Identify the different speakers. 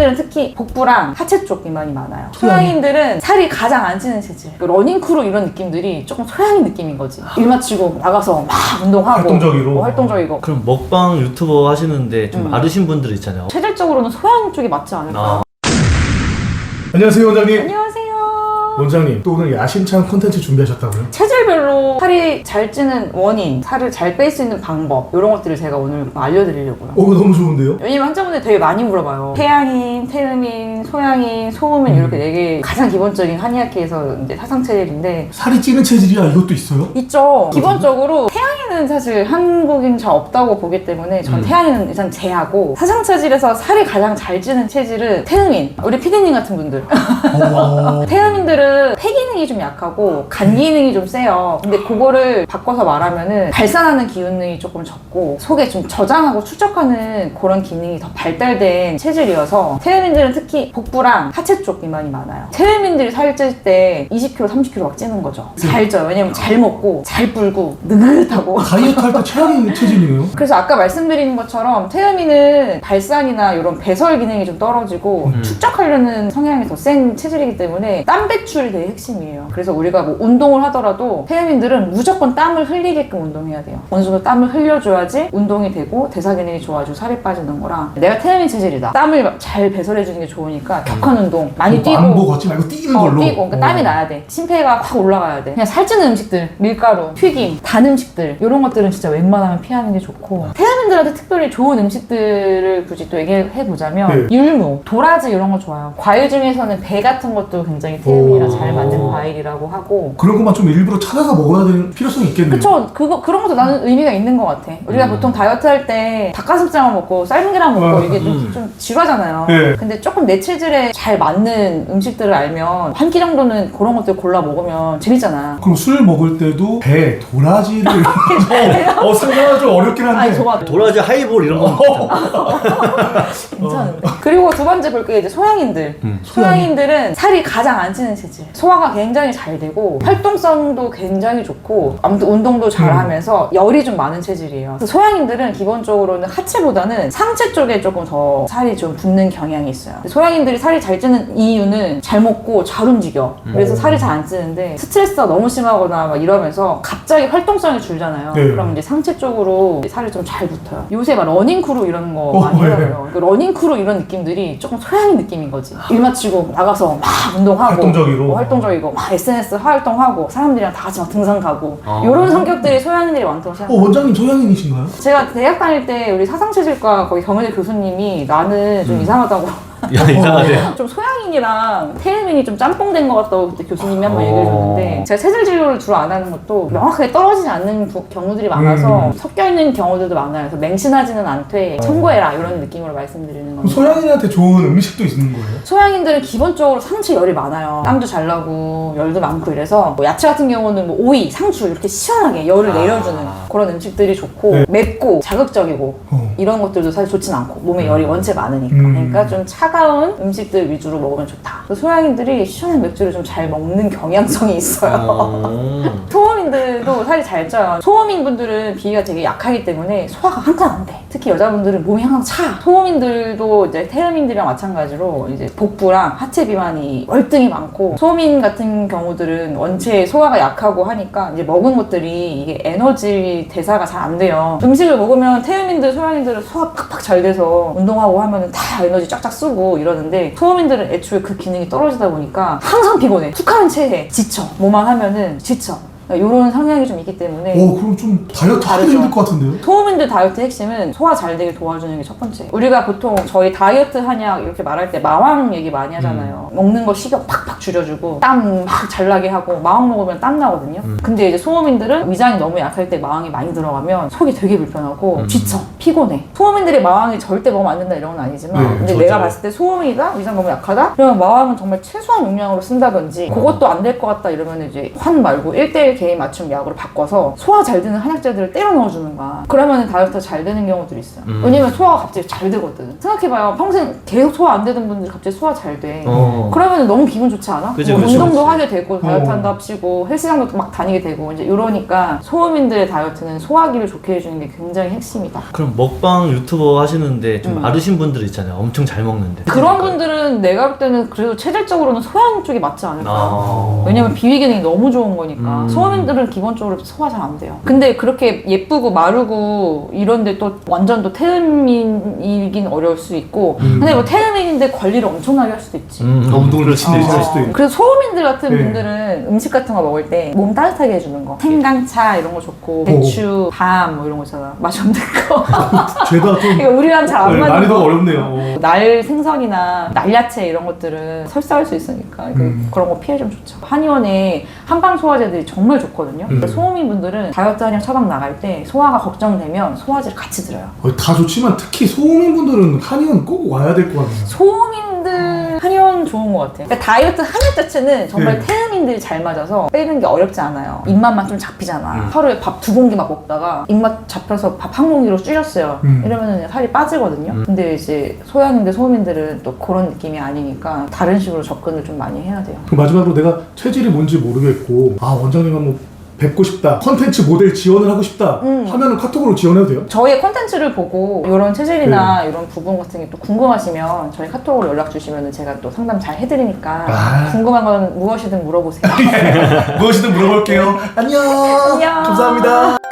Speaker 1: 태음인들은 특히 복부랑 하체 쪽 비만이 많아요. 소양인들은 살이 가장 안 찌는 체질. 러닝크루 이런 느낌들이 조금 소양인 느낌인 거지. 일 마치고 나가서 막 운동하고
Speaker 2: 활동적이로.
Speaker 1: 활동적이고.
Speaker 3: 그럼 먹방 유튜버 하시는데 좀 마르신 분들 있잖아요.
Speaker 1: 체질적으로는 소양 쪽이 맞지 않을까?
Speaker 2: 안녕하세요, 원장님.
Speaker 1: 안녕하세요.
Speaker 2: 원장님, 또 오늘 야심찬 콘텐츠 준비하셨다고요?
Speaker 1: 체질별로 살이 잘 찌는 원인, 살을 잘 뺄 수 있는 방법 이런 것들을 제가 오늘 알려드리려고요.
Speaker 2: 너무 좋은데요?
Speaker 1: 왜냐면 환자분들 되게 많이 물어봐요. 태양인, 태음인, 소양인, 소음인 이렇게 4개 가장 기본적인 한의학계에서 이제 사상체질인데
Speaker 2: 살이 찌는 체질이야 이것도 있어요?
Speaker 1: 있죠. 기본적으로 태양인은 사실 한국인 잘 없다고 보기 때문에 전 태양인은 일단 제하고 사상체질에서 살이 가장 잘 찌는 체질은 태음인. 우리 피디님 같은 분들. 태음인들은 폐 기능이 좀 약하고 간 기능이 좀 세요. 근데 그거를 바꿔서 말하면은 발산하는 기능이 조금 적고 속에 좀 저장하고 축적하는 그런 기능이 더 발달된 체질이어서 태음인들은 특히 복부랑 하체 쪽 비만이 많아요. 태음인들이 살 찔 때 20kg, 30kg 막 찌는 거죠. 잘 쪄요. 왜냐면 잘 먹고 잘 불고 느긋하고
Speaker 2: 다이어트 할 때 최악인 체질이에요?
Speaker 1: 그래서 아까 말씀드린 것처럼 태음인은 발산이나 이런 배설 기능이 좀 떨어지고 축적하려는 성향이 더 센 체질이기 때문에 땀 배출이 되게 핵심이에요. 그래서 우리가 뭐 운동을 하더라도 태음인들은 무조건 땀을 흘리게끔 운동해야 돼요. 어느 정도 땀을 흘려줘야지 운동이 되고 대사 기능이 좋아지고 살이 빠지는 거라 내가 태음인 체질이다. 땀을 잘 배설해주는 게 좋으니까 격한 운동 많이 뛰고
Speaker 2: 안보 걷지 말고 뛰는 걸로?
Speaker 1: 뛰고 그러니까 땀이 나야 돼. 심폐가 확 올라가야 돼. 그냥 살찌는 음식들, 밀가루, 튀김, 단 음식들 이런 것들은 진짜 웬만하면 피하는 게 좋고 태음인들한테 특별히 좋은 음식들을 굳이 또 얘기해보자면 율무, 도라지 이런 거 좋아요. 과일 중에서는 배 같은 것도 굉장히 태음인이랑 잘 맞는 과일이라고 하고
Speaker 2: 그런 것만 좀 일부러 찾아서 먹어야 되는 필요성이 있겠네요.
Speaker 1: 그쵸. 그런 것도 나는 의미가 있는 것 같아. 우리가 보통 다이어트 할 때 닭가슴살만 먹고 삶은 계란 먹고 이게 좀 지루하잖아요.
Speaker 2: 네.
Speaker 1: 근데 조금 내 체질에 잘 맞는 음식들을 알면 한 끼 정도는 그런 것들 골라 먹으면 재밌잖아.
Speaker 2: 그럼 술 먹을 때도 배, 도라지를 상상하기 좀 어렵긴 한데
Speaker 1: 아니 좋아.
Speaker 3: 도라지 하이볼 이런 건
Speaker 1: 괜찮은데. 그리고 두 번째 볼 게 이제 소양인들. 소양인들은 살이 가장 안 찌는 체질. 소화가 굉장히 잘 되고 활동성도 굉장히 좋고 아무튼 운동도 잘 하면서 열이 좀 많은 체질이에요. 그래서 소양인들은 기본적으로는 하체보다는 상체 쪽에 조금 더 살이 좀 붙는 경향이 있어요. 소양인들이 살이 잘 찌는 이유는 잘 먹고 잘 움직여. 그래서 살이 잘 안 찌는데 스트레스가 너무 심하거나 막 이러면서 갑자기 활동성이 줄잖아요. 그럼 이제 상체 쪽으로 살이 좀 잘 붙어요. 요새 막 러닝크루 이런 거 많이 하더라고요. 그 러닝크루 이런 느낌들이 조금 소양인 느낌인 거지. 일 마치고 나가서 막 운동하고
Speaker 2: 활동적이로
Speaker 1: 활동적이고 막 SNS 활동하고 사람들이랑 다 같이 막 등산 가고 이런 성격들이 소양인들이 많다고 생각해요.
Speaker 2: 원장님 소양인이신가요?
Speaker 1: 제가 대학 다닐 때 우리 사상체질과 거기 경희대 교수님이 나는 좀 이상하다고
Speaker 3: 야, 이상하네.
Speaker 1: 좀 소양인이랑 태음인이 좀 짬뽕된 것 같다고 그때 교수님이 한 번 얘기해 줬는데 제가 체질 진료를 주로 안 하는 것도 명확하게 떨어지지 않는 경우들이 많아서 섞여 있는 경우들도 많아요. 그래서 맹신하지는 않되 청구해라 이런 느낌으로 말씀드리는
Speaker 2: 그럼
Speaker 1: 겁니다.
Speaker 2: 소양인한테 좋은 음식도 있는 거예요?
Speaker 1: 소양인들은 기본적으로 상체 열이 많아요. 땀도 잘 나고 열도 많고 이래서 뭐 야채 같은 경우는 뭐 오이, 상추 이렇게 시원하게 열을 내려주는 그런 음식들이 좋고 맵고 자극적이고 이런 것들도 사실 좋진 않고 몸에 열이 원체 많으니까 그러니까 좀 차가운 음식들 위주로 먹으면 좋다. 소양인들이 시원한 맥주를 좀 잘 먹는 경향성이 있어요. 소음인들도 살이 잘 쪄요. 소음인 분들은 비위가 되게 약하기 때문에 소화가 항상 안 돼. 특히 여자분들은 몸이 항상 차. 소음인들도 이제 태음인들이랑 마찬가지로 이제 복부랑 하체 비만이 월등히 많고 소음인 같은 경우들은 원체 소화가 약하고 하니까 이제 먹은 것들이 이게 에너지 대사가 잘 안 돼요. 음식을 먹으면 태음인들, 소양인들은 소화 팍팍 잘 돼서 운동하고 하면은 다 에너지 쫙쫙 쓰고 이러는데 소음인들은 애초에 그 기능이 떨어지다 보니까 항상 피곤해. 툭 하면 체해. 지쳐. 뭐만 하면은 지쳐. 이런 성향이 좀 있기 때문에
Speaker 2: 그럼 좀 다이어트 하기 힘들 것 같은데요?
Speaker 1: 소음인들 다이어트 핵심은 소화 잘 되게 도와주는 게 첫 번째. 우리가 보통 저희 다이어트 한약 이렇게 말할 때 마왕 얘기 많이 하잖아요. 먹는 거 식욕 팍팍 줄여주고 땀 막 잘 나게 하고 마왕 먹으면 땀 나거든요. 근데 이제 소음인들은 위장이 너무 약할 때 마왕이 많이 들어가면 속이 되게 불편하고 지쳐, 피곤해. 소음인들이 마왕이 절대 먹으면 안 된다 이런 건 아니지만 근데 내가 봤을 때 소음이다? 위장 너무 약하다? 그러면 마왕은 정말 최소한 용량으로 쓴다든지 그것도 안 될 것 같다 이러면 이제 환 말고 1:1 개인 맞춤 약으로 바꿔서 소화 잘 되는 한약재들을 때려 넣어주는 거야. 그러면 다이어트가 잘 되는 경우들이 있어요. 왜냐면 소화가 갑자기 잘 되거든. 생각해봐요. 평생 계속 소화 안 되던 분들이 갑자기 소화 잘 돼. 그러면 너무 기분 좋지 않아?
Speaker 3: 그치,
Speaker 1: 뭐
Speaker 3: 그치,
Speaker 1: 운동도
Speaker 3: 그치.
Speaker 1: 하게 되고 다이어트 한다 합시고 헬스장도 막 다니게 되고 이제 이러니까 소음인들의 다이어트는 소화기를 좋게 해주는 게 굉장히 핵심이다.
Speaker 3: 그럼 먹방 유튜버 하시는데 좀 마르신 분들 있잖아요. 엄청 잘 먹는데.
Speaker 1: 그런 분들은 내가 볼 때는 그래도 체질적으로는 소양 쪽이 맞지 않을까.
Speaker 3: 아.
Speaker 1: 왜냐면 비위 기능이 너무 좋은 거니까. 소음인들은 기본적으로 소화 잘 안 돼요. 근데 그렇게 예쁘고 마르고 이런데 또 완전 또 태음인이긴 어려울 수 있고 근데 뭐 태음인인데 관리를 엄청나게 할 수도 있지.
Speaker 2: 운동을 열심히 할 수도 있고.
Speaker 1: 그래서 소음인들 같은
Speaker 2: 네.
Speaker 1: 분들은 음식 같은 거 먹을 때 몸 따뜻하게 해주는 거. 생강차 이런 거 좋고 배추, 밤 뭐 이런 거 있잖아. 맛이 없는 거.
Speaker 2: 죄다 좀
Speaker 1: 이거 우리랑 잘 안 맞는
Speaker 2: 난이도가
Speaker 1: 거.
Speaker 2: 어렵네요.
Speaker 1: 날 생선이나 날야채 이런 것들은 설사할 수 있으니까 그런 거 피해주면 좋죠. 한의원에 한방 소화제들이 정말 좋거든요. 소음인 분들은 다이어트 한약 처방 나갈 때 소화가 걱정되면 소화제를 같이 들어요.
Speaker 2: 다 좋지만 특히 소음인 분들은 한의원 꼭 와야 될 것 같네요.
Speaker 1: 소음인들 한의원 좋은 것 같아요. 그러니까 다이어트 한약 자체는 정말
Speaker 2: 네.
Speaker 1: 태음인들이 잘 맞아서 빼는 게 어렵지 않아요. 입맛만 좀 잡히잖아. 하루에 밥 2공기 막 먹다가 입맛 잡혀서 밥 1공기로 줄였어요. 이러면 살이 빠지거든요. 근데 이제 소양인들, 소음인들은 또 그런 느낌이 아니니까 다른 식으로 접근을 좀 많이 해야 돼요.
Speaker 2: 그럼 마지막으로 내가 체질이 뭔지 모르겠고 원장님 한번 뵙고 싶다, 컨텐츠 모델 지원을 하고 싶다 하면은 카톡으로 지원해도 돼요?
Speaker 1: 저희의 콘텐츠를 보고 이런 체질이나 이런 부분 같은 게 또 궁금하시면 저희 카톡으로 연락 주시면 제가 또 상담 잘 해드리니까 궁금한 건 무엇이든 물어보세요.
Speaker 2: 무엇이든 물어볼게요. 안녕.
Speaker 1: 안녕.
Speaker 2: 감사합니다.